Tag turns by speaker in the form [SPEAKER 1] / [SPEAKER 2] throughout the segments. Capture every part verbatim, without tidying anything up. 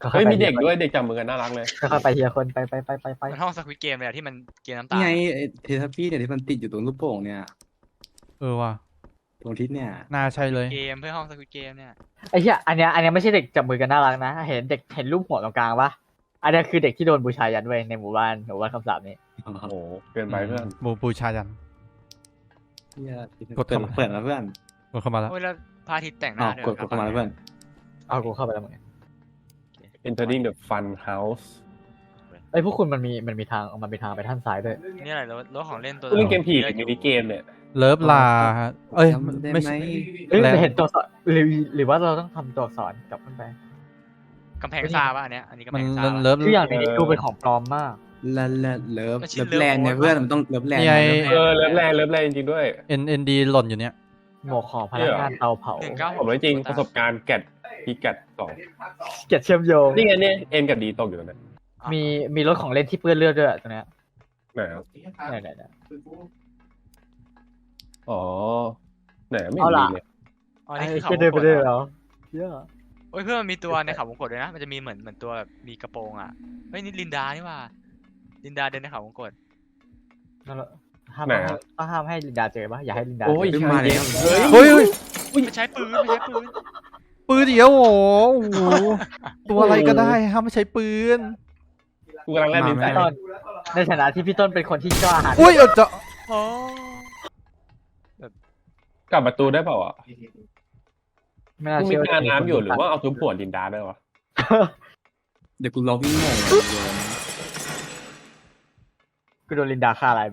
[SPEAKER 1] เฮ้ยมีเด็กด้วยเด็กจับมือกันน่ารักเลย
[SPEAKER 2] ค่อยๆไปทีละคนไปไปไปไปไป
[SPEAKER 3] มันห้องสควิตเกมเลยที่มันเกมน้ำตา
[SPEAKER 4] ไงเททัพปี้เนี่ยที่มันติดอยู่ตรงลูกโป่งเนี่ย
[SPEAKER 5] เออว่ะ
[SPEAKER 4] ตรงทิศเนี่ย
[SPEAKER 5] น่าใช่เลย
[SPEAKER 3] เกมเพื่อห้องสควิตเกมเนี่ย
[SPEAKER 2] ไอ้เหี้ยอันเนี้ยอันเนี้ยไม่ใช่เด็กจับมือกันน่ารักนะเห็นเด็กเห็นรูปหัวตรงกลางปะอันเนี้ยคือเด็กที่โดนบูชายันไว้ในหมู่บ้านหมู่บ้านคำสาปนี้
[SPEAKER 1] โอ้โหเกินไปเพื่อน
[SPEAKER 5] บูบูชายัน
[SPEAKER 4] เนี่ย
[SPEAKER 5] กด
[SPEAKER 4] เปิด
[SPEAKER 5] เข้ามา
[SPEAKER 4] เปิดแล้วเพื่อน
[SPEAKER 5] กดเข้ามาแล้ว
[SPEAKER 3] โอ้ยแล้วพระอาทิตย์แต่งห
[SPEAKER 4] อ๋อ
[SPEAKER 3] น้าด้วย
[SPEAKER 4] กดกดเข้ามาแล้วเพื่อน
[SPEAKER 2] เอากูเข้าไปแล้วมึง
[SPEAKER 1] entering the fun house
[SPEAKER 2] ไอ้ยพวกคุณมันมีมันมีทางมันมีทางไปท่านซ้ายด้วย
[SPEAKER 3] นี่อะไรรถรถของเล่นตัว
[SPEAKER 1] เล่นเกมผีหรือมินิเกมเนี่ย
[SPEAKER 5] เลิฟลาเอ้ย
[SPEAKER 4] จำได้
[SPEAKER 5] ไม่
[SPEAKER 4] ไหม
[SPEAKER 5] ใช่
[SPEAKER 2] เอ้ย
[SPEAKER 5] แล้ว
[SPEAKER 2] เห็นตัวสอนหรือหรือว่าเราต้องทำตัวอักษรกลับขึ้นไป
[SPEAKER 3] กำแพงซาป่ะอันเนี้ยอันนี้กำ
[SPEAKER 5] มั
[SPEAKER 3] แพ
[SPEAKER 5] น
[SPEAKER 3] งซา
[SPEAKER 5] มัน
[SPEAKER 3] ป่ะ
[SPEAKER 5] เลิฟ
[SPEAKER 2] คืออย่างนี้ดูเป็นของปลอมมาก
[SPEAKER 4] ลาลาเลิฟ
[SPEAKER 3] มันชื่
[SPEAKER 4] เลิ
[SPEAKER 3] อ
[SPEAKER 4] ฟแลนด์เนี่ย
[SPEAKER 3] Love
[SPEAKER 4] เพื่อนมันต้องเลิฟแลนด์
[SPEAKER 5] นี่ไง
[SPEAKER 1] เออเลิฟแรงเลิฟแรงจริงๆด้วย
[SPEAKER 5] เอ็นเอ็นดีหล่นอยู่เนี้ย
[SPEAKER 2] หมวกของพนักงานเตาเผา
[SPEAKER 3] หนึ่งเก้า
[SPEAKER 1] ผมเลยจริงประสบการณ์แกดพีแกดสอง
[SPEAKER 2] เกียรติเชื่อมโยง
[SPEAKER 1] นี่ไงเนี่ยเอ็นกับดีตกอยู่ตรงนั้น
[SPEAKER 2] มีมีรถของเล่นที่เปื้อนเลือดด้วยตรงเนี้ย
[SPEAKER 1] ไหนครับ
[SPEAKER 2] เนี่ยเนี่ยเนี่ย
[SPEAKER 1] อ๋อไหนไม่เห็นมีเลย
[SPEAKER 3] อ๋อ
[SPEAKER 2] ไอ้
[SPEAKER 3] นี่คือเขา
[SPEAKER 2] เหี้ยเดินไปเรื่อยแล้วเหี้ย
[SPEAKER 3] โอ้ยเพื่อนมันมีตัวในเขาวงกตด้วยนะมันจะมีเหมือนเหมือนตัวแบบมีกระโปรงอ่ะเฮ้ยนี่ลินดานี่ว่าลินดาเดินในเขาวงกต
[SPEAKER 2] นั่นแหละห้ามให้ต้องห้ามให้ลินดาเจอปะอย่าให้ลินดา
[SPEAKER 1] โอ้ย
[SPEAKER 2] เจอ
[SPEAKER 1] ชาเย็นเฮ้ย
[SPEAKER 5] เฮ้ยเฮ้ย
[SPEAKER 3] ไม่ใช้ปืนไม่ใช้ปืน
[SPEAKER 5] ปืนเดียวโอ้โหตัวอะไรก็ได้ห้ามไม่ใช้ปืน
[SPEAKER 1] กูกำลังเล่นมินไซ
[SPEAKER 2] พี่ต้นในฐานะที่พี่ต้นเป็นคนที่กล้าหาญ
[SPEAKER 5] อุ้ยเออจะ
[SPEAKER 3] โอ้
[SPEAKER 1] กลับประตูได้เปล่าอ่ะ
[SPEAKER 2] ไม่น่า
[SPEAKER 1] กูมี
[SPEAKER 2] เชื่อ
[SPEAKER 1] การน้ำอยู่หรือว่าเอาซุ้มปวดดินดาได้วะ
[SPEAKER 4] เดี๋ยวกูลองวิ่งงง
[SPEAKER 2] กูโดนลินดาฆ่าอะไรไป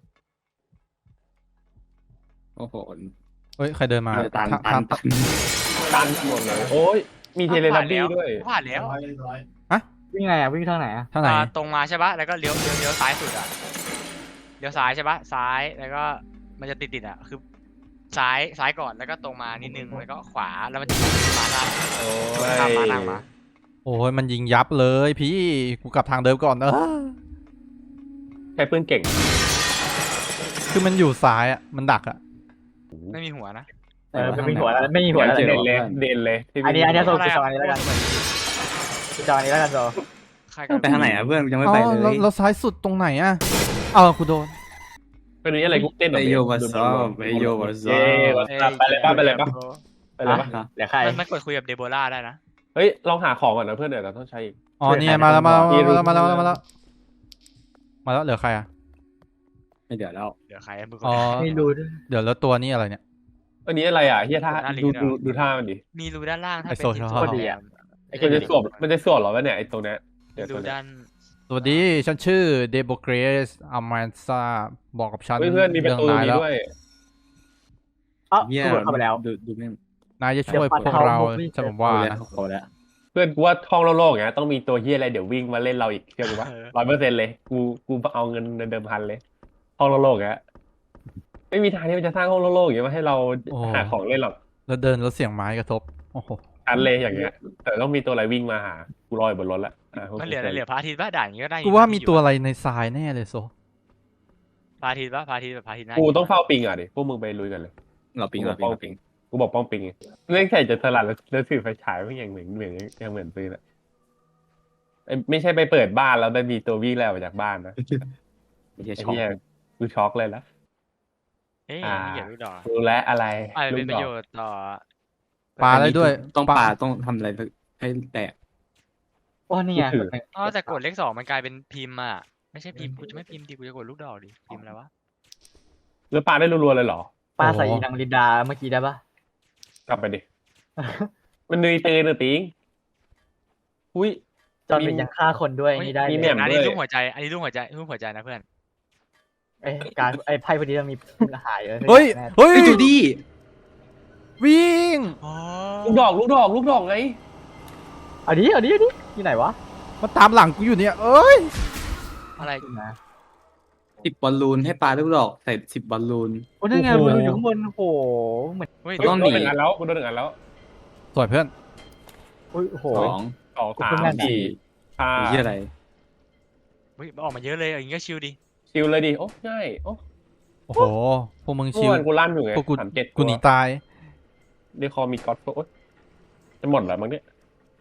[SPEAKER 4] โอ้โห
[SPEAKER 5] เฮ้ยใครเดินมา
[SPEAKER 4] ตัน
[SPEAKER 5] ทา
[SPEAKER 4] ตั
[SPEAKER 5] ง
[SPEAKER 4] นตัน
[SPEAKER 1] ตันหมดเลยโอ้ยมีเทเลทับบี้ด้วย
[SPEAKER 3] ผ่านแล้ว
[SPEAKER 2] วิ่งไงอ่ะวิ่งทางไหนอ่ะ
[SPEAKER 5] ทางไหน
[SPEAKER 3] อ่าตรงมาใช่ปะแล้วก็เลี้ยวเลี้ยวเลี้ยวซ้ายสุดอ่ะเลี้ยวซ้ายใช่ปะซ้ายแล้วก็มันจะติดติดอ่ะคือซ้ายซ้ายก่อนแล้วก็ตรงมานิดนึงแล้วก็ขวาแล้วมันจะมาหน้า
[SPEAKER 1] โอ้
[SPEAKER 3] ข้ามมานั่
[SPEAKER 1] ย
[SPEAKER 3] งมา
[SPEAKER 5] โอ้ยมันยิงยับเลยพี่กูกลับทางเดิมก่อนเออ
[SPEAKER 1] ใช้ปืนเก่ง
[SPEAKER 5] คือมันอยู่ซ้ายอ่ะมันดักอ่ะ
[SPEAKER 3] ไม่มีหัวนะ
[SPEAKER 2] เออไม่มีหัวแล้วไม่มีหัวแล้ว
[SPEAKER 1] เด่น
[SPEAKER 2] เด่น
[SPEAKER 1] เลยเด่นเลยที่
[SPEAKER 2] อันนี้อันนี้โซ
[SPEAKER 3] อะไร
[SPEAKER 2] กูจออันนี้แล้วกันกูจออันนี้แล้วกันโซ
[SPEAKER 3] ใครกัน
[SPEAKER 4] ไปทางไหนอ่ะเพื่อนยังไม่
[SPEAKER 5] อ๋อ
[SPEAKER 4] ไปเล
[SPEAKER 5] แล้ว
[SPEAKER 4] ย
[SPEAKER 5] แล้วซ้ายสุดตรงไหนอ่ะเอากูโดน
[SPEAKER 1] เป็นนี้อะไรกูเต้น
[SPEAKER 4] ไปโยวาซอไปโยวาซอ
[SPEAKER 1] ไปเลยป่ะไปเลยป่ะไปเลยป่ะ
[SPEAKER 2] เดี๋ยวใคร
[SPEAKER 3] มันมันกดคุยกับเดโบราได้นะ
[SPEAKER 1] เฮ้ยลองหาของก่อนนะเพื่อนเดี๋ยวเราต้องใช้อีก
[SPEAKER 5] อ๋อเนี่ยมาแล้วมาแล้วมาแล้วมาแล้วมาแล้วมาแล้วเหลือใครอ่ะ
[SPEAKER 4] ไม่เดี๋ยวแล้ว
[SPEAKER 3] เดี๋ยวใครมือ
[SPEAKER 5] อ๋อ
[SPEAKER 2] ไม่รู้ด้วย
[SPEAKER 5] เดี๋ยวแล้วตัวนี้อะไรเนี่ย
[SPEAKER 1] อันนี้อะไรอ่ะเฮียท่าดูดูดูท่ามันดิ
[SPEAKER 3] มีรูด้านล่างถ้า
[SPEAKER 5] ไอ้
[SPEAKER 3] เป็น
[SPEAKER 5] โซ
[SPEAKER 3] ที่
[SPEAKER 5] ชอบ
[SPEAKER 3] ตัวแดง
[SPEAKER 1] มันจะสวมมันจะสวมหรอวะเนี่ยไอ้ตรงเนี้ยเดี๋ยว
[SPEAKER 3] รู
[SPEAKER 1] ตัวเนี้ย
[SPEAKER 3] ด้าน
[SPEAKER 5] สวัสดีฉันชื่อเดโบเกรสอามันซาบอกกับฉัน
[SPEAKER 1] เฮ้ยเพื่อนมีประตูตรง
[SPEAKER 5] นาย
[SPEAKER 1] นี้
[SPEAKER 5] แล้ว
[SPEAKER 1] ด้วย
[SPEAKER 2] อ๋อ
[SPEAKER 4] เยี่ย
[SPEAKER 2] กูเข้าไปแล้ว
[SPEAKER 4] ดูดูนี่
[SPEAKER 5] นายจะช่วยพวกเราฉันผมว่า
[SPEAKER 4] เอาแล้ว
[SPEAKER 5] นะ
[SPEAKER 4] เอาแล้ว
[SPEAKER 1] เพื่อนกูว่าท่องโลกๆอย่างเงี้ยต้องมีตัวเฮียอะไรเดี๋ยววิ่งมาเล่นเราอีกเชื่อกูปะร้อยเปอร์เซ็นต์เลยกูกูเอาเงินเดิมพันเลยท่องโลกๆอย่างเงี้ยไม่มีทางที่มันจะสร้างห้องโลกๆอย่างเงี้ยมาให้เราหาของเล่นหรอก
[SPEAKER 5] แล้วเดินแล้วเสียงไม้กระทบโอ้โห
[SPEAKER 1] ชันเลยอย่างเงี้ยแต่ต้องมีตัวอะไรวิ่งมาหากูรออยู่บนรถละอ่ะ
[SPEAKER 3] มันเหลือเหลือพระอาทิตย์ป่ะด่านอย่างงี้ก็ได้
[SPEAKER 5] กูว่ามีตัวอะไรในทรายแน่เลยโซ
[SPEAKER 3] พระอาทิตย์ป่ะพระอาทิตย์แบบพระอาทิตย์หน้า
[SPEAKER 1] กูต้องเฝ้าปิงอ่ะดิพวกมึงไปลุยกันเลย
[SPEAKER 4] เราปิงเราปิงเราปิง
[SPEAKER 1] กูบอกป้องปิงไงเรื่องใส่จะสลัดแล้วถือไฟฉายไม่ยังเหมือนเหมือนยังเหมือนปืนอะไม่ใช่ไปเปิดบ้านแล้วได้มีตัววิ่งแล้วจากบ้านนะ
[SPEAKER 4] ไม่ใช่
[SPEAKER 1] ไอ้
[SPEAKER 4] ช็อก
[SPEAKER 1] เหี้ยกูช็อกเลยละ
[SPEAKER 3] เฮ้ยนี่เกี่ยวลูกดอก
[SPEAKER 1] รู้แล้วอะไร
[SPEAKER 3] อะไรเป็นประโยชน์ต่อ
[SPEAKER 5] ปลาได้ด้วย
[SPEAKER 4] ต้องปลาต้องทำอะไรให้แตก
[SPEAKER 2] ว่านี่ไง
[SPEAKER 3] อ๋อแต่กดเลขสองมันกลายเป็นพิมพ์อ่ะไม่ใช่พิมพ์กูจะไม่พิมพ์ดิกูจะกดลูกดอกดิพิมพ์อะไรวะ
[SPEAKER 1] แล้วปลาได้รัวๆเลยเหรอ
[SPEAKER 2] ป้าใส่อีนางลินดาเมื่อกี้ได้ปะ
[SPEAKER 1] กลับไปดิ มันนุยเตนหรือปิงอุ้ย
[SPEAKER 2] จอนเป็นยังฆ่าคนด้วยนี่ได้
[SPEAKER 1] มี
[SPEAKER 2] เล
[SPEAKER 1] แหม่
[SPEAKER 2] ย
[SPEAKER 1] ม
[SPEAKER 3] อันนี้รูปหัวใจอันนี้รูปหัวใจรูปหัวใจนะเพื่อน
[SPEAKER 2] ไอ้การไอ้ไพ่พอดีมันมีหายเลย
[SPEAKER 5] เฮ้ยเฮ้ย
[SPEAKER 4] ไอ้จูดี้
[SPEAKER 5] วิ่ง
[SPEAKER 3] อ๋อ
[SPEAKER 1] ลูกดอกลูกดอกลูกดอกไง
[SPEAKER 2] เอาดิเอาดิเอาดิที่ไหนวะ
[SPEAKER 5] มาตามหลังกูอยู่เนี่ยเอ้ย
[SPEAKER 3] อะไร
[SPEAKER 2] นะ
[SPEAKER 4] สิบบอลลูนให้ปลาลูกดอกใส่สิบบอลลูน
[SPEAKER 2] โอ้นั่นไงมันอยู่ข้างบนโอ้โหเหมือน
[SPEAKER 3] เฮ้ย
[SPEAKER 4] ต้อง
[SPEAKER 1] โดนหนึ่งอันแล้วกูโดนหนึ่งอันแล้ว
[SPEAKER 5] สวยเพื่อน
[SPEAKER 2] โอ้ยโอ้โห
[SPEAKER 4] สอง
[SPEAKER 1] สองสา
[SPEAKER 2] กู
[SPEAKER 1] ม
[SPEAKER 2] เพิ่งนั่น
[SPEAKER 1] สี่ห้า
[SPEAKER 4] ไอ้เหี้ยอะไร
[SPEAKER 3] เฮ้ยออกมาเยอะเลยอย่างงี้ก็ชิลดิ
[SPEAKER 1] ชิลเลยดิโอ้ง่ายโอ้
[SPEAKER 5] โอ้โหพวกมึง
[SPEAKER 1] เมื่
[SPEAKER 5] ชิ
[SPEAKER 1] อ
[SPEAKER 5] ว
[SPEAKER 1] วานกูลั่นอยู่ไง
[SPEAKER 5] พวกกู
[SPEAKER 1] สามเจ็ด
[SPEAKER 5] กูหนีตาย
[SPEAKER 1] เดคอมีก็อดโอ้ยจะหมดแล้วมั้งเนี่ย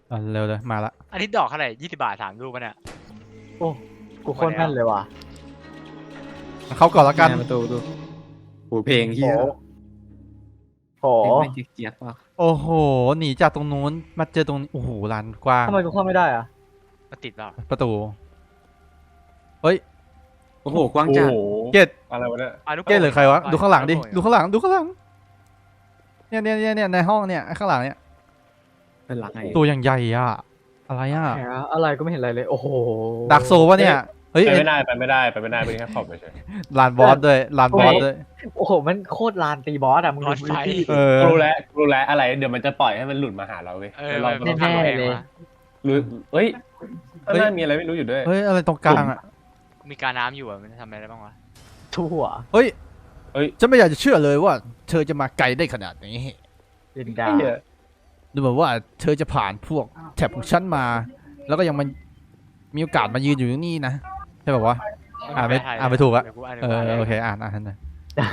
[SPEAKER 5] อ่ะเร็วเลยมาละ
[SPEAKER 3] อันนี้ดอกเท่าไหร่ยี่สิบบาทสามลูกปะเนี่ย
[SPEAKER 2] โอ้กูโคตรแม่นเลยว่ะ
[SPEAKER 5] เข้าก่อนละกัน
[SPEAKER 4] แม่ประตูดูโหเพลงเฮีย
[SPEAKER 2] โอ้
[SPEAKER 4] เพ
[SPEAKER 2] โห
[SPEAKER 4] ลงไม่เจี๊ยบว่ะ
[SPEAKER 5] โอ้โหหนีจากตรงนู้นมาเจอตรงนี้โอ้โหลานกว้าง
[SPEAKER 2] ทำไมกูเข้าไม่ได้อะ
[SPEAKER 3] มาติดเปล่า
[SPEAKER 5] ประตูเฮ้ย
[SPEAKER 4] โอ้โหกว้าง
[SPEAKER 1] โอ้
[SPEAKER 4] จัด
[SPEAKER 1] โห
[SPEAKER 5] เกต
[SPEAKER 1] อะไรวะเนี่ย
[SPEAKER 3] อ่ะลูก
[SPEAKER 5] เกตหรือใครวะดูข้างหลังดิดู
[SPEAKER 3] ลูกโป่
[SPEAKER 5] ข้างหลังดูข้างหลังเนี่ยเนี่ยเนี่ยเนี่ยในห้องเนี่ยข้างหลังเนี่ย
[SPEAKER 4] เป็นหลักไง
[SPEAKER 5] ตัวอย่างใหญ่อะอะไรอะ
[SPEAKER 2] แหมอะไรก็ไม่เห็นอะไรเลย โอ้โห
[SPEAKER 5] ดักโซวะเนี่ยเฮ้ย
[SPEAKER 1] ไป
[SPEAKER 5] เอ็
[SPEAKER 1] ไม่ได้ไปไม่ได้ไปไม่ได้เป็นแค่ขอบเฉย
[SPEAKER 5] ลานบอสด้วยลานบอสด้วย
[SPEAKER 2] โอ้โหมันโคตรลานตีบอสอะมึง
[SPEAKER 3] ร
[SPEAKER 2] ดู
[SPEAKER 3] ถไฟ
[SPEAKER 2] พื้นที่
[SPEAKER 5] เออ
[SPEAKER 1] ๆรู้แล้วรู้แล้วอะไรเดี๋ยวมันจะปล่อยให้มันหลุดมาหาเราเว้ย
[SPEAKER 3] เออ
[SPEAKER 1] แล้วเรา
[SPEAKER 3] มัน
[SPEAKER 1] ต้อง
[SPEAKER 3] ทำ
[SPEAKER 1] ทำ
[SPEAKER 3] แพ
[SPEAKER 1] เอง
[SPEAKER 3] งมา
[SPEAKER 1] หรือเฮ้ยข้างหน้ามีอะไรไม่รู้อยู่ด้วย
[SPEAKER 5] เฮ้ยอะไรตรงกลางอะ
[SPEAKER 3] มีการน้ำอยู่อ่ะมันจะทำอะไรได้บ้างวะ
[SPEAKER 2] ทั่ว
[SPEAKER 5] เฮ้ย
[SPEAKER 1] เฮ้ย
[SPEAKER 5] ฉันไม่อยากจะเชื่อเลยว่า เธอจะมาไกลได้ขนาดนี้
[SPEAKER 2] ลินดา
[SPEAKER 1] ไอ้เหี้ย
[SPEAKER 5] ดูเหมือนว่าเธอจะผ่านพวกแถบของฉันมา แล้วก็ยังมันมีโอกาสมายืนอยู่ที่นี่นะใช่ป่าวะ อ่านไม่
[SPEAKER 3] แปลทย
[SPEAKER 5] อ่านไม่ถูกอะ
[SPEAKER 3] เดี๋ยวกูอ่าน
[SPEAKER 5] เอ
[SPEAKER 3] ดี๋ยวกูาน
[SPEAKER 5] อโอเคอ่านอ่านหน่อย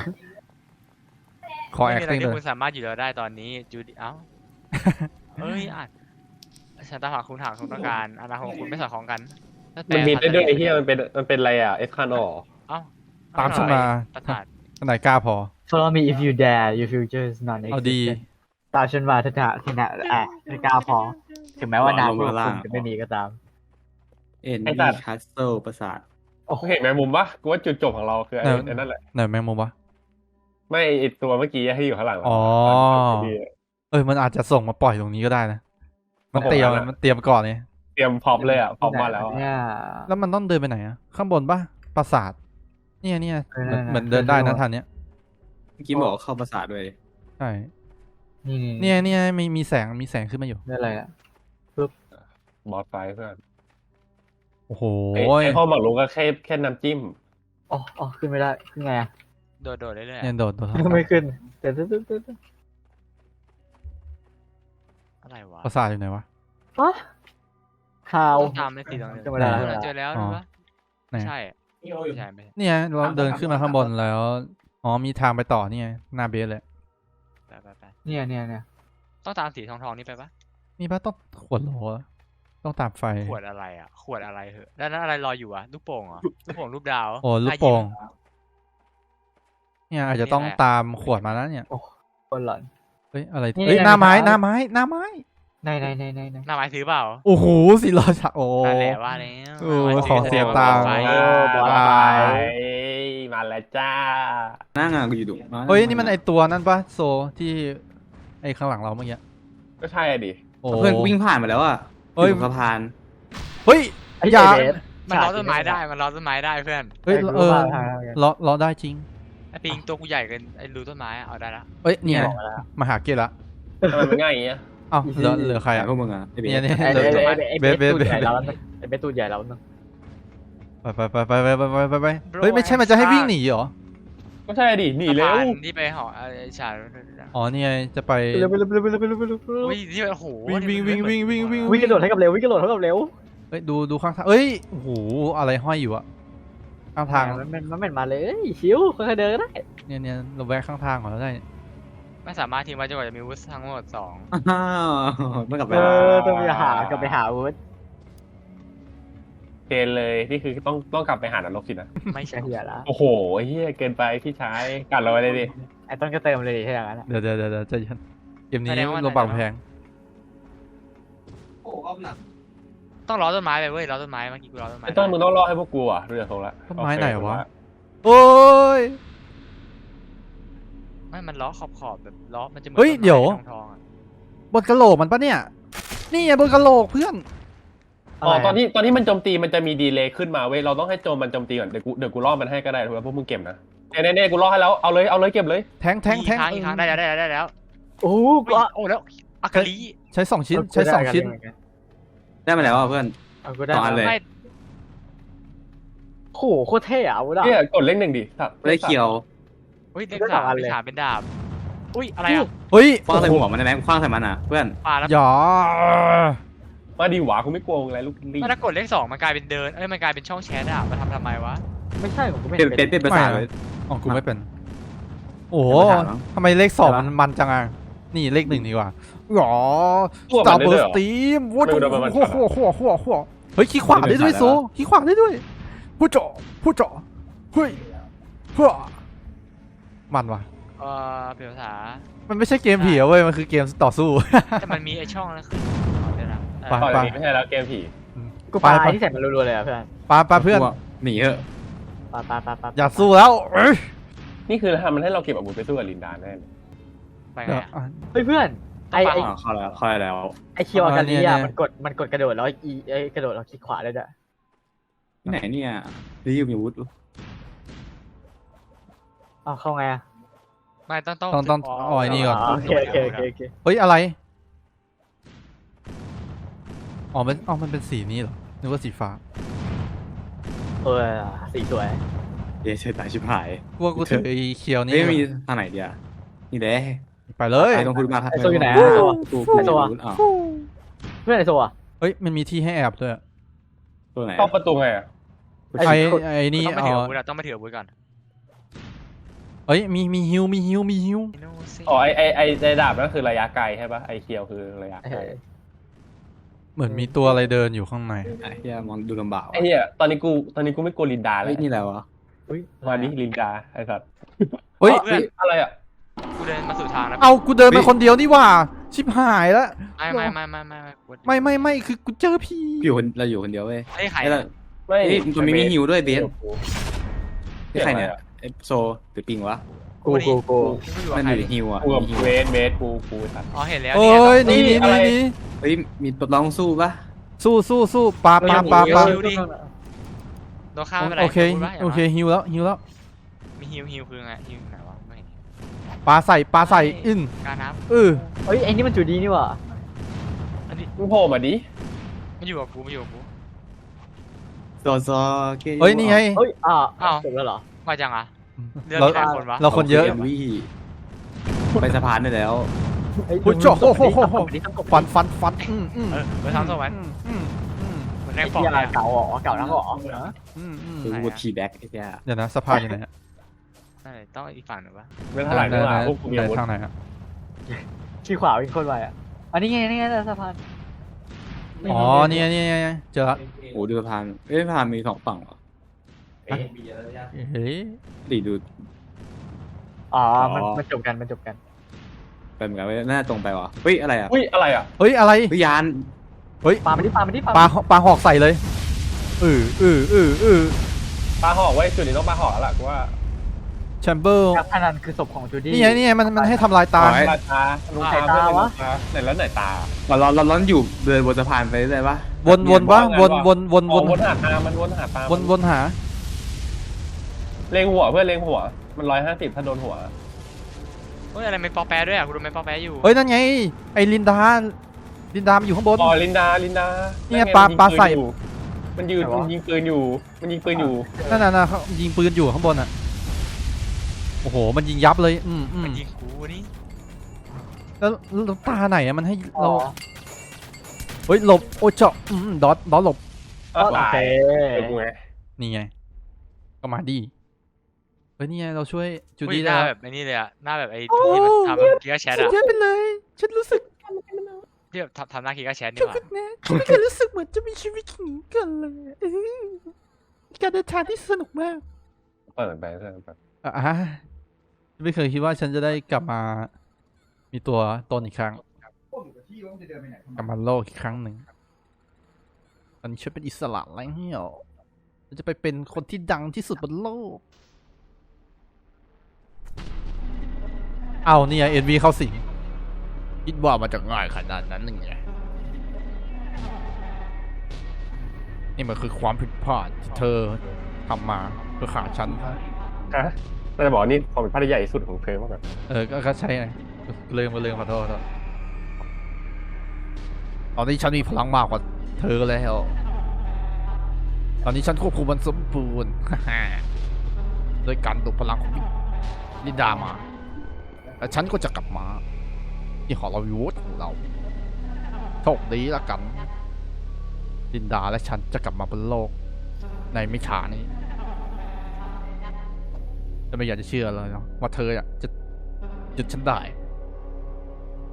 [SPEAKER 5] ขอ
[SPEAKER 3] ไม่มีอะไร
[SPEAKER 5] acting
[SPEAKER 3] ที่
[SPEAKER 5] เล
[SPEAKER 3] คุ
[SPEAKER 5] ย
[SPEAKER 3] ณสามารถอยู่แล้วได้ตอนนี้จูดี้เอ้าเอ้ยอ่านฉันตามหาคุณถามคุณต้องการอนาคตของคุณไม่สอดคล้องกันแล้วแต่
[SPEAKER 1] มันมีได้ด้วยไอ้เหี้ยมันเป็นมันเป็นอะไรอ่ะเอฟคานอ
[SPEAKER 3] เอ้า
[SPEAKER 5] ตามฉันมา
[SPEAKER 3] ประสาท
[SPEAKER 5] ไหนกล้าพอ
[SPEAKER 2] Follow me if you dare your future is not
[SPEAKER 5] เอาดี
[SPEAKER 2] existent ตามฉันมาถ้าจะที่น่ะอ่ะไม่กล้าพอ ถึงแม้ว่านามของคุณจะไม่มีก็ตาม
[SPEAKER 4] เอ็นดี้คัสเซิลประสาท
[SPEAKER 2] โอ้โห
[SPEAKER 1] เห็นแมงมุมปะกูว่าจุดจบของเราคือไอ้
[SPEAKER 5] เออ
[SPEAKER 1] ไอ้นั่นแหละ
[SPEAKER 5] ไหนแมงมุมวะ
[SPEAKER 1] ไม่ไอ้ตัวเมื่อกี้ที่อยู่ข้างหลังเรา
[SPEAKER 5] อ๋อ เอ้ยมันอาจจะส่งมาปล่อยตรงนี้ก็ได้นะ มันเตรียมมันเตรียมก่อนเนี่ย
[SPEAKER 1] เตรียมพร้อมเลยอ่ะพร้อมมาแล้วอะ
[SPEAKER 2] เนี่ย
[SPEAKER 5] แล้วมันต้องเดินไปไหนอะข้างบนปะปราสาทเนี่ยเนี่ย
[SPEAKER 2] เออ
[SPEAKER 5] เหมือน
[SPEAKER 2] นั่นน่ะ
[SPEAKER 5] เหมือนเดินได้นะทางเนี้ย
[SPEAKER 4] เมื่อกี้บอกว่าเข้าประสาทด้วย
[SPEAKER 5] ใช่
[SPEAKER 2] นี่
[SPEAKER 5] เนี่ยเนี่ยมีมีแสงมีแสงขึ้นมาอยู่
[SPEAKER 2] นี่อะไรอ่ะ
[SPEAKER 1] บอสไฟเพื่อน
[SPEAKER 5] โอ้โห
[SPEAKER 1] ไอ้ไอ้ห้องหมักลุกก็แค่แค่น้ำจิ้ม
[SPEAKER 2] อ๋ออ๋อขึ้นไม่ได้ ขึ้นไงอ่ะ
[SPEAKER 3] โดดโดดๆเรื่อยๆ
[SPEAKER 5] เนี่ย
[SPEAKER 3] อะ
[SPEAKER 5] โดดโดด
[SPEAKER 2] ไม่ขึ้นเดี๋ยวตึ๊ดตึ๊ดตึ๊ดตึ๊ด
[SPEAKER 3] อะไรวะ
[SPEAKER 5] ปราสาทอยู่ไหนวะ
[SPEAKER 2] ฮะฮาว
[SPEAKER 3] ต้องตามในสีตรงนี้
[SPEAKER 2] ขึ้นไม่ได้
[SPEAKER 3] เออเจอแล้ว
[SPEAKER 5] อ๋อ
[SPEAKER 3] รู้ปะ
[SPEAKER 5] ไหน
[SPEAKER 3] ไม่ใช่ไม่ใช่ไม่ใช่
[SPEAKER 5] เนี่ยเราเดินขึ้นมาข้างบนแล้ว อ๋อมีทางไปต่อเนี่ยหน้าเบสเลย
[SPEAKER 3] ไปไปไป
[SPEAKER 2] เนี่ยเนี่ยเนี่ย
[SPEAKER 3] ต้องตามสีทองทองๆนี่ไปปะ
[SPEAKER 5] มีปะต้องขวดโหลอะต้องตามไฟ
[SPEAKER 3] ขวดอะไรอ่ะขวดอะไรเหอะแล้วนั่นอะไรลอยอยู่อ่ะลูกโป่งเหรอลูกโป่งรูปดาว
[SPEAKER 5] โอ้ลูกโป่งเนี่ยอาจจะต้องตามขวดมาแล้วเนี่ย
[SPEAKER 2] คนหลอน
[SPEAKER 5] เฮ้ยอะไร
[SPEAKER 2] นี่
[SPEAKER 5] เฮ้ย
[SPEAKER 2] ไง
[SPEAKER 5] หน้าไม้
[SPEAKER 2] มีทาง
[SPEAKER 5] หน้าไม้หน้าไม้
[SPEAKER 2] ในในในในใน
[SPEAKER 3] หน้าไม้ซื้อเปล่า
[SPEAKER 5] โอ้โหสีราชาโอ้
[SPEAKER 3] นั่นแหละว่าแล้ว
[SPEAKER 5] โอ้
[SPEAKER 3] หน้าไม้
[SPEAKER 5] ขอเสียตังค์
[SPEAKER 3] แสด
[SPEAKER 2] เอ
[SPEAKER 3] ว่า
[SPEAKER 2] อบอส
[SPEAKER 5] บาย
[SPEAKER 1] มาแล้วจ้า
[SPEAKER 4] หน้างานกูอยู่ดุ
[SPEAKER 5] เฮ้ยนี่มันไอตัวนั่นปะโซที่ไอข้างหลังเราเมื่อกี้
[SPEAKER 1] ก็ใช่อะดิ
[SPEAKER 5] โอ้
[SPEAKER 4] เพื่อนวิ่งผ่านมาแล้วอ่ะ
[SPEAKER 5] เฮ้ย
[SPEAKER 4] อยู่สะพาน
[SPEAKER 5] เฮ้ย
[SPEAKER 2] ไอ้
[SPEAKER 5] อย่า
[SPEAKER 2] เบส
[SPEAKER 3] มันล้อต้นไม้ได้มันล้อต้นไม้ได้เพื่อน
[SPEAKER 5] เฮ้ย
[SPEAKER 2] ไอ้กู
[SPEAKER 5] เออ
[SPEAKER 2] ว่าทางนั้นไง
[SPEAKER 5] ล้อล้อได้จริง
[SPEAKER 3] ไอ้ปิงตัวกูใหญ่เกินไอ้รูต้นไม้อะเอาได้ละ
[SPEAKER 5] เอ้ยเนี่ย
[SPEAKER 2] บอกมาแล้ว
[SPEAKER 5] มาหาเกตละ
[SPEAKER 1] ทำไมมันง่ายอย่างเงี้ย
[SPEAKER 5] เอ้าเหลือเหลือใคร
[SPEAKER 4] ใคร
[SPEAKER 5] อ่ะ
[SPEAKER 4] พวกมึงอ่ะไอ้เบ
[SPEAKER 5] เนี่ย
[SPEAKER 4] ส
[SPEAKER 5] เนี่ย
[SPEAKER 2] ไอ้
[SPEAKER 5] เหลื
[SPEAKER 2] เบ
[SPEAKER 5] อ
[SPEAKER 2] สไอ้เบส
[SPEAKER 5] เบสเบส
[SPEAKER 2] ตูดใหญ่แล้วนึงไอ้เบสตูดใหญ่แล้วนึง
[SPEAKER 5] ไปไปไปไปไปไปไปไปเฮ้ยไม่ใช่มันจะให้วิ่งหนีเหรอ
[SPEAKER 1] ก็ใช่ดิหนีเร็ว
[SPEAKER 3] สะพานที่ไปหอไอ้ฉา
[SPEAKER 5] อ๋อเนี่ยจะไป
[SPEAKER 2] เร็วไปเร็วไปเร็วไปเร็วไปเร็วไปเร็ว
[SPEAKER 3] อุ้ยที่โอ้โห
[SPEAKER 5] วิ่งวิ่งวิ่งวิ่งวิ่งวิ่ง
[SPEAKER 2] วิ่งกระโดดให้กับเร็ววิ่งกระโดดให้กับเร็ว
[SPEAKER 5] เฮ้ยดูดูข้างทางเอ้ยโอ้โหอะไรห้อยอยู่อะข้างทาง
[SPEAKER 2] มันมันมันมาเลยชิวค่อยๆเดินก็ได้
[SPEAKER 5] เนี่ยเนี่ยเราแวะข้างทางก่อนแล้วได้
[SPEAKER 3] ไม่สามารถทิ้งไว้จนกว่าจะมีวุฒิทั้งหมดสอง
[SPEAKER 4] อ้าวต้องกลับไป
[SPEAKER 2] เออต้องไปหากลับไปหาวุฒิ
[SPEAKER 1] เกณฑ์เลยนี่คือต้องต้องกลับไปหานรกสินะ
[SPEAKER 3] ไม่ใช่
[SPEAKER 2] ไอ้เหี้ยละ
[SPEAKER 1] โอ้โหไอ้เฮียเกินไปพี่ชายกัดเราไว้เลยดิ
[SPEAKER 2] ไอ้ต้นก็เติมเลยดิถ้าอย่างนั้นอะ
[SPEAKER 5] เดี๋ยวเดี๋ยวเดี๋ยวเดี๋ยวใจเย็นเกมนี้ลงบังแพง
[SPEAKER 3] ต้องล้อต้นไม้ไปเว้ยล้อต้นไม้เมื่อกี้กูล้อต้นไม้
[SPEAKER 1] ไอ้ต้นมึงต้องรอให้พวกกูอ่ะเรือของละ
[SPEAKER 5] ต้นไม้ไหนวะ
[SPEAKER 1] โอเค
[SPEAKER 5] โอ้ย
[SPEAKER 3] ไม่มันล้อขอบขอบแบบล้อมันจะเหมือน
[SPEAKER 5] เฮ้ย
[SPEAKER 3] ต้นไม้
[SPEAKER 5] เดี๋ยว
[SPEAKER 3] ทองทองๆอะ
[SPEAKER 5] บนกระโหลกมันปะเนี่ย นี่ไงบนกระโหลกเพื่อน
[SPEAKER 1] อ๋อตอนที่ตอนที่มันโจมตีมันจะมีดีเลย์ขึ้นมาเว้ยเราต้องให้โจมมันโจมตีก่อนเดี๋ยวกูเดี๋ยวกูล่อมันให้ก็ได้ถูกไหมพวกมึงเก็บนะเน่เน่ๆกูล่อให้แล้วเอาเลยเอาเลยเก็บเลย
[SPEAKER 5] แทงแทงแทง
[SPEAKER 3] อีกครั้งอีกครั้งได้แล้วได้แล้วได้แล้ว
[SPEAKER 2] โอ้โห
[SPEAKER 3] อุ๊
[SPEAKER 2] ก็
[SPEAKER 3] ยโอ้แล้วอากาลี
[SPEAKER 5] ใช้สองชิ้นใช้สองชิ้น
[SPEAKER 4] ได้มาแล้วอ่ะเพื่อน
[SPEAKER 2] เอาก็ได้
[SPEAKER 4] สองอันเลย
[SPEAKER 3] ไม่
[SPEAKER 2] โอ้โหโคตรเท่อะวุฒิอะ
[SPEAKER 1] เนี่ยกดเลขหนึ่งดิครับ
[SPEAKER 4] ไม่ได้เคียว
[SPEAKER 3] อุ้ยเลข
[SPEAKER 2] ได้ส
[SPEAKER 3] สา
[SPEAKER 2] อ
[SPEAKER 3] ม
[SPEAKER 2] งอัน
[SPEAKER 3] เล
[SPEAKER 2] เลย
[SPEAKER 3] ขสามเป็นดาบอุ้ยอะไรอ่ะ
[SPEAKER 5] เฮ้ย
[SPEAKER 4] คว้างใส่หัวมันได้ไหมคว้างใส่มันอ่ะเพื่อน
[SPEAKER 3] ปลาแล้ว
[SPEAKER 5] อย่า
[SPEAKER 1] มาดีหวากูไม่กลัวมึงอะไรลูกลี่
[SPEAKER 3] ถ้ากดเลขสองมันกลายเป็นเดินเอ้ยมันกลายเป็นช่องแชทอะมันทำทำไมวะ
[SPEAKER 2] ไม่ใช่ผมก็ไม่
[SPEAKER 4] เป็น
[SPEAKER 2] เห็น
[SPEAKER 4] เป็น
[SPEAKER 2] เป็น
[SPEAKER 4] เป็นภาษาเลย
[SPEAKER 5] อ๋อกูไม่เป็น โอ้โห
[SPEAKER 4] เป็นภาษาเหรอ
[SPEAKER 5] ทำไมเลขสอง
[SPEAKER 4] อะไรวะ
[SPEAKER 5] มันมันจังอ่ะนี่เลขหนึ่งดีกว่าหรอ
[SPEAKER 1] ตัว
[SPEAKER 5] ส
[SPEAKER 1] มัน
[SPEAKER 5] ตาร์
[SPEAKER 1] ได้
[SPEAKER 5] เบิ
[SPEAKER 1] ด้วย
[SPEAKER 5] ร์
[SPEAKER 1] เห
[SPEAKER 5] ส
[SPEAKER 1] รอ
[SPEAKER 5] ตีมโว้
[SPEAKER 1] ไม่รู้นะมัน
[SPEAKER 5] โหโหโหโหโหเฮ้ยขี้ขวาได้ด้วยโซขี้ขวาได้ด้วยผู้เจาะผู้เจาะเฮ้ยเฮ้อมันว่ะ
[SPEAKER 3] เออเปลี่ยนภาษา
[SPEAKER 5] มันไม่ใช่เกมผีอะเว้ยมันคือเกมต่อสู้
[SPEAKER 3] แต่มันมีไอช่องนั้นขึ้นเอาเดี๋ยวนะเออ
[SPEAKER 5] ไป
[SPEAKER 1] ก่อนอันนี้ไม่ใช่แล้วเกมผี
[SPEAKER 2] กูปาไอ้ที่ใส่มันรัวๆเลยอ่ะเพื่อน
[SPEAKER 5] ปาปาเพื่อน
[SPEAKER 4] หนีเถอะ
[SPEAKER 2] ปาปาปาปา
[SPEAKER 5] อย่าสู้แล้วเอ้ย
[SPEAKER 1] นี่คือทำมันให้เราเก็บอาวุธไปสู้กับลินดาแน่เลย
[SPEAKER 3] ไปไง
[SPEAKER 5] เดี๋ยว
[SPEAKER 3] อะ
[SPEAKER 5] อ่ะ
[SPEAKER 2] เฮ้ยเพื่อนไอไอ
[SPEAKER 4] อ่าเข้าแล้วเข้าแล้ว
[SPEAKER 2] ไอเคียวอาการนี้
[SPEAKER 5] เนี่ย
[SPEAKER 2] อ่ะ
[SPEAKER 5] เนี่ย
[SPEAKER 2] มันกดมันกดกระโดดแล้วอีไอกระโดดเราคลิกขวาได้ด้วย
[SPEAKER 4] ที่ไหนเนี่ยรีบมีอาวุธ
[SPEAKER 2] อ้าวเข้าไงอ่ะ
[SPEAKER 3] ไม่ต้องต้อง
[SPEAKER 5] ต้องต้องเอาไอ้นี่ก่อน
[SPEAKER 2] โอเคโอเคโอเคโอเค
[SPEAKER 5] เฮ้ยอะไรอ๋อมันอ๋อมันเป็นสีนี้เหรอนึกว่าสีฟ้า
[SPEAKER 2] เออสีสวย
[SPEAKER 4] เย้ใช่ตายชิบหาย
[SPEAKER 5] กูว่ากูถือไอ้เคียวนี่
[SPEAKER 4] เฮ้ยมีทางไหนเดียวนี่เด้
[SPEAKER 5] ไปเลย
[SPEAKER 4] ไอ้ตรงคุณมา
[SPEAKER 2] ไอโซอยู่ไหน
[SPEAKER 4] กู
[SPEAKER 2] อะโซ
[SPEAKER 4] กูกูมีอาวุธอ่ะ
[SPEAKER 2] เพื่อนไอโซอ่ะ
[SPEAKER 5] เฮ้ยมันมีที่ให้แอบด้วย
[SPEAKER 4] ตัวไหน
[SPEAKER 1] เข้าประตูไงอ่ะ
[SPEAKER 2] ไอ้
[SPEAKER 5] ไอ้
[SPEAKER 2] กด
[SPEAKER 5] ไอ้นี่
[SPEAKER 3] ต้องไป
[SPEAKER 5] เอา
[SPEAKER 3] ถืออาวุธอะต้องไปถืออาวุธก่อน
[SPEAKER 5] เฮ้ยมีมีฮิวมีฮิวมีฮิว
[SPEAKER 3] อิโนเซ
[SPEAKER 1] อ๋อไอไอไอไอดาบนั่นคือระยะไกลใช่ปะไอเคียวคือระยะ
[SPEAKER 2] เอ
[SPEAKER 1] ไกล
[SPEAKER 2] อ
[SPEAKER 5] เหมือนมีตัวอะไรเดินอยู่ข้างใน
[SPEAKER 4] ไอ้เหี้ยมองดูลำบาก
[SPEAKER 1] ไอเหี้ยตอนนี้กูตอนนี้กูไม่กลัวลินดาเล
[SPEAKER 4] เฮ้
[SPEAKER 1] ย
[SPEAKER 4] ยนี่อะไรวะ
[SPEAKER 2] อุ้ย
[SPEAKER 1] มาดิลินดาไอสัตว์
[SPEAKER 5] เฮ้ย
[SPEAKER 3] เพื่อน
[SPEAKER 1] อะไรอ่ะ
[SPEAKER 3] กูเดินมาสู่ทางแล้ว
[SPEAKER 5] เอากูเดินมาคนเดียวนี่หว่าชิบหายแล้ว
[SPEAKER 3] ไม่ไม่ไม่ไม่ไม่ไม่กู
[SPEAKER 5] ไม่ไม่ไม่คือกูเจอพี่
[SPEAKER 4] อยู่คนเราอยู่คนเดียวเว้ย
[SPEAKER 3] ไอ้ไข่
[SPEAKER 4] ไอ้เรา
[SPEAKER 1] ไม่
[SPEAKER 4] เฮ้ยมันมีฮิวด้วยเบส
[SPEAKER 1] เสีย
[SPEAKER 4] ที่
[SPEAKER 1] ง
[SPEAKER 4] ใคร
[SPEAKER 1] อะไร
[SPEAKER 4] เนี่ย
[SPEAKER 1] อะ
[SPEAKER 4] ไอ้โซหรือปิงวะ
[SPEAKER 2] กูกูกู
[SPEAKER 3] กูอยู่
[SPEAKER 4] มั
[SPEAKER 3] กับ
[SPEAKER 4] น
[SPEAKER 3] ใคร
[SPEAKER 4] อยู่ในฮิวอ่ะ
[SPEAKER 1] กูกับ
[SPEAKER 4] มีฮิว
[SPEAKER 1] เวสเวสกูกูสัตว์
[SPEAKER 3] อ๋อเห็นแล้ว
[SPEAKER 5] โอ้
[SPEAKER 3] เนี่ย
[SPEAKER 5] ยหนีหนีห
[SPEAKER 1] อะไร
[SPEAKER 5] นีหนี
[SPEAKER 4] เฮ้ยมีตัวร้องสู้ปะ
[SPEAKER 5] สู้สู้สู้ปาปาปาปา
[SPEAKER 3] ตัวข้ามไม่เป็นไร
[SPEAKER 5] โอเค
[SPEAKER 3] พูดว่าย่าง
[SPEAKER 5] โอเคฮิวแล้วฮิวแล้ว
[SPEAKER 3] มีฮิวฮิวคือไงฮิวไหนวะไม่เห็น
[SPEAKER 5] ปาใส่ปาใส่อึ้ง
[SPEAKER 3] การน้
[SPEAKER 5] เออ
[SPEAKER 2] เฮ้ยไอ้นี่มันจูดีนี่หว่า
[SPEAKER 3] ำอันนี้
[SPEAKER 1] มึงโผล่มาดิ
[SPEAKER 3] มันอยู่กับกูมันอยู่กับกู
[SPEAKER 4] โซโซก
[SPEAKER 5] เฮ้ยนี่ไง
[SPEAKER 2] เฮ้ยอ้าว
[SPEAKER 3] อ้าว
[SPEAKER 2] จบแล้วเหรอ
[SPEAKER 3] มาจังอ่ะเรื่อง
[SPEAKER 5] เรา
[SPEAKER 3] แค่คนวะ
[SPEAKER 5] เราคนเยอะ
[SPEAKER 4] วี่ไปสะพานได้แล้ว
[SPEAKER 2] เฮ้ย
[SPEAKER 5] โอ้ยโจ้โหโหโหโห
[SPEAKER 2] ดิทำกบ
[SPEAKER 5] ฟันฟันฟันอืมอืม
[SPEAKER 3] เออไปทำตัวไว้
[SPEAKER 5] อืมอืมอืม
[SPEAKER 3] เหมือนแร
[SPEAKER 2] ไอ้
[SPEAKER 3] งฟอง
[SPEAKER 2] เหี้ย
[SPEAKER 3] เลยอะ
[SPEAKER 2] เก่าเหรอเก่านักเหรอ
[SPEAKER 5] อืมอืม
[SPEAKER 4] คือวูดทีแบ็กไอ้เหี้ย
[SPEAKER 5] เดี๋ยวนะสะพานอยู่ไหนฮะ
[SPEAKER 3] ใช่ต้องอีกฝั่งหนึ่งวะ
[SPEAKER 1] ไม่เท่าไหร่
[SPEAKER 5] ไหน
[SPEAKER 1] เท่าไห
[SPEAKER 5] ไหน
[SPEAKER 1] ร่พวกกูมี
[SPEAKER 5] ไหน
[SPEAKER 1] อาวุธ
[SPEAKER 5] ทางไหนฮะ
[SPEAKER 2] ขี้ขวาวิ่งโคตรไวอ่ะอันนี้ไงนี่ไงสะพาน
[SPEAKER 5] อ๋อนี่ไงนี่ไงนี่ไงเจอละ
[SPEAKER 4] โอ้ดูสะพานเอ้ยสะพานมีสองฝั่งเหรอ
[SPEAKER 5] เฮ้ย
[SPEAKER 4] ดีดู
[SPEAKER 2] อ๋อมันมันจบกันมันจบกัน
[SPEAKER 4] ไปเหมือนกันเว้ยน่าตรงไปวะเฮ้ยอะไรอ่ะ
[SPEAKER 1] อุ้ยอะไรอ่ะ
[SPEAKER 5] เฮ้ยอะไร
[SPEAKER 4] เฮ้ยยาน
[SPEAKER 5] เฮ้ย
[SPEAKER 2] ปามาดิปามาดิปา
[SPEAKER 5] ปลาปลาหอกใส่เลยเออเออเออเออ
[SPEAKER 1] ปลาหอกไว้จุดนี้ต้องปลาหอกแล้วล่ะกูว่า
[SPEAKER 5] แชมเบอร์
[SPEAKER 2] นักพนันคือศพของจูดี้
[SPEAKER 5] นี่ไงนี่ไงมันมันให้ทำลายตา
[SPEAKER 1] ปลาตาลูกตาเพื่อนลูกตาไหนแล้วไหนตา
[SPEAKER 4] เราเราเราล้อนอยู่เดินบนสะพานไปเรื่อยๆปะ
[SPEAKER 5] วนวนวะวนวนวน
[SPEAKER 1] ว
[SPEAKER 5] วน น
[SPEAKER 1] วนหาตามันวนหาตา
[SPEAKER 5] วนวนหา
[SPEAKER 1] เล็งหัวเพื่อนเล็งหัว มันร้อยห้าสิบถ้าโดนหัว
[SPEAKER 3] เฮ้ยอะไรไม่ปอแปะด้วยอ่ะกูดูไม่ปอแปะอยู่
[SPEAKER 5] เฮ้ยนั่นไงไอ้ลินดาลินดามันอยู่ข้างบน
[SPEAKER 1] อ๋อลินดาลินดา
[SPEAKER 5] เนี่ยปลาปลาใส่
[SPEAKER 1] มันยืนมันยิงปืนอยู่ มันยิงปืนอยู่
[SPEAKER 5] นั่นน่ะนะเขายิงปืนอยู่ข้างบนอ่ะโอ้โหมันยิงยับเลยอืมอื
[SPEAKER 3] มัน
[SPEAKER 5] ม
[SPEAKER 3] ยิงกูนี่
[SPEAKER 5] แล้วแล้วตาไหนอะมันให้
[SPEAKER 2] อ๋
[SPEAKER 5] เรา
[SPEAKER 2] อ
[SPEAKER 5] เฮ้ยหลบโอ้เจาะอืมดอทดอทหลบ
[SPEAKER 2] โอ
[SPEAKER 1] ตาย
[SPEAKER 2] เค
[SPEAKER 1] เดี๋ยวกูไง
[SPEAKER 5] นี่ไงก็มาดีเฮ้ยนี่ไงเราช่วยจู
[SPEAKER 3] อุ้ย
[SPEAKER 5] ดี้
[SPEAKER 3] ห
[SPEAKER 5] ได้
[SPEAKER 3] น้า
[SPEAKER 5] แล้ว
[SPEAKER 3] แบบไอ้นี่เลยอ่ะหน้าแบบไอ้ที่มันทำกีกาแชท
[SPEAKER 5] สุด
[SPEAKER 3] อ่ะ
[SPEAKER 5] ยอดไปเลย ฉันรู้สึก
[SPEAKER 3] ที่แบบทำทำหน้ากีกาแชทนี่
[SPEAKER 5] จุก
[SPEAKER 3] หว่า
[SPEAKER 5] นะฉันไม่เคยรู้สึกเหมือนจะมีชีวิตอย่างนี้กันเลยอื้อการเดินทางที่สนุกมาก
[SPEAKER 1] เปิดไปเปิดไป
[SPEAKER 5] อ่ะไม่เคยคิดว่าฉันจะได้กลับมา มีตัวตนอีกครั้งกลับมาโลกอีกครั้งหนึ่งตอนนี้ฉันเป็นอิสระแล้วเหี่ยวฉันจะไปเป็นคนที่ดังที่สุดบนโลก เอาเนี่ยเอ็นวีเข้าสิงคิดว่ามันจะง่ายขนาดนั้นหนึ่งไงนี่มันคือความผิดพลาดที่เธอทำมาเพื่อขาฉัน
[SPEAKER 1] ฮะเราจะบอกนี่ความเป็นพลาดใหญ่ที่สุดของเธอมากแบบ
[SPEAKER 5] เออ ก็ก็ใช่ไงเลืมก็ลืมขอโทษขอโทษตอนนี้ฉันมีพลังมากกว่าเธอแล้ว ตอนนี้ฉันควบคุมมันสมบูรณ์ โดยการดูดพลังของลินดามา แล้วฉันก็จะกลับมา ที่หอลวีวูดของเรา โชคดีละกัน ลินดาและฉันจะกลับมาบนโลก ในไม่ช้านี้แต่ไม่อยากจะเชื่อเลยเนาะว่าเธออะจะหยุดฉันได้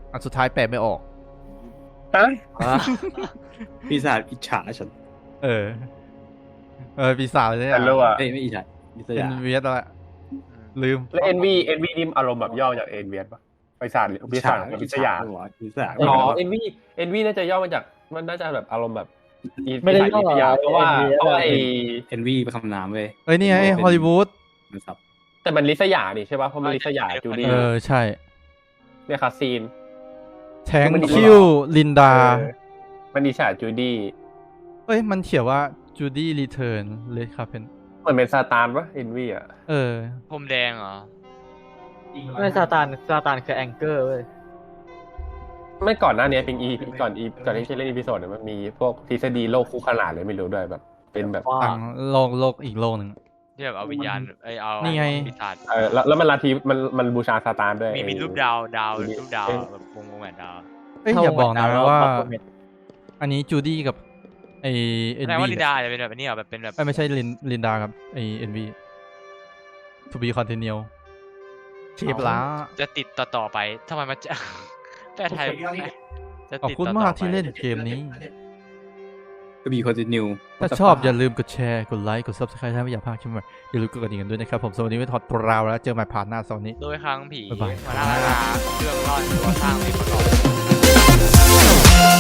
[SPEAKER 5] อันสุดท้ายแปลไม่ออก
[SPEAKER 1] ฮะ
[SPEAKER 4] ปีศาจอิจฉาฉัน
[SPEAKER 5] เออ เออปีศาจเลย
[SPEAKER 1] แต่รู้อ่ะ
[SPEAKER 4] เอ้ยไม่อิจฉาอิส
[SPEAKER 5] เป็น
[SPEAKER 4] ยา
[SPEAKER 5] เวียดแล้วลืม
[SPEAKER 1] แล้วเอ็นวีเอ็นวีนี่อารมณ์แบบย่อจากเอ็นเวียปะปีศาจหรือปีศาจกับปีศาจ
[SPEAKER 4] หัวปีศาจ
[SPEAKER 1] อ๋อเอ็นวีเอ็นวีน่าจะย่อมาจากมันน่าจะแบบอารมณ์แบบอี
[SPEAKER 2] ไม่ได้ย่อ
[SPEAKER 1] ปีศาจเพราะว่า
[SPEAKER 2] เอ็นวี
[SPEAKER 1] เพราะว่าไอ
[SPEAKER 4] เอ็นวีเป็นคำนามเว้ย
[SPEAKER 5] เอ้ยนี่ไงฮอลลีวูด
[SPEAKER 4] มันสับ
[SPEAKER 1] แต่มันลิษยานี่ใช่ป่ะเพราะมันลิษยาจูดี้
[SPEAKER 5] เออใช่
[SPEAKER 1] เนี่ยคาซีน
[SPEAKER 5] แทงคิวลินดา
[SPEAKER 1] เออมันลิษยาจูดี้
[SPEAKER 5] เอ้ยมันเขียนว่าจูดี้รีเทิร์นเลยครับเป็น
[SPEAKER 1] เหมือนเป็นซาตานปะเอ็นวีอ่ะ
[SPEAKER 5] เออ
[SPEAKER 3] พรมแดงเหรอ
[SPEAKER 2] ไม่ซาตานซาตานคือแองเกอร์เว้ย
[SPEAKER 1] ไม่ก่อนหน้านี้เป็นอีก่อนอีก่อนที่จะเล่นอีพิโซดเนี่ยมันมีพวกทฤษฎีโลกคู่ขนานเลยไม่รู้ด้วยแบบ เป็นแบบ
[SPEAKER 2] ว่า
[SPEAKER 5] ต่างโลกโลกอีกโลกหนึ่ง
[SPEAKER 3] ที่แบบเอาวิญญาณไอยเอา
[SPEAKER 5] นี่ไง
[SPEAKER 3] ปีศาจ
[SPEAKER 1] เออแล้วแล้วมันลัทธิมันมันบูชาซาตานด้วย
[SPEAKER 3] มีมีรูปดาวดาวรูปดาวแบบวงวงแหวนดาว
[SPEAKER 5] เอ้ยอย่าบอกนะว่า
[SPEAKER 2] เท่
[SPEAKER 5] อันนี้จูดี้กับไอเอ็
[SPEAKER 3] แส
[SPEAKER 5] น
[SPEAKER 3] ดง
[SPEAKER 5] วี
[SPEAKER 3] ว่าลินดาจะเป็นแบบนี้เหรอแบบเป็นแบบ
[SPEAKER 5] ไม่ใช่ลินลินดากับไอเอ็นวี to be continue เชฟล้า
[SPEAKER 3] จะติดต่อต่อไปทำไมมันจะ แปลไทยจะ
[SPEAKER 5] ขอบ
[SPEAKER 3] ติด
[SPEAKER 5] คุณ
[SPEAKER 3] ต่อ
[SPEAKER 5] มาก
[SPEAKER 3] ๆไป
[SPEAKER 5] ที่เล่นเกมนี้
[SPEAKER 4] ก็มีคอนติเนีย
[SPEAKER 5] ถ้าชอบอย่าลืมกดแชร์ กดไลค์ กด subscribe ถ้าไม่อยากพลาดคลิปใหม่อย่าลืมกดกระดิ่งกันด้วยนะครับ ผมสวัสดีไว้ถอดปราวแล้วเจอใหม่ผ่านหน้าโซนนี้
[SPEAKER 3] โดยครั้งผี
[SPEAKER 5] บ๊ายบาย
[SPEAKER 3] มาล่าเรื่องรอดตัวสร้างเพลงประกอบ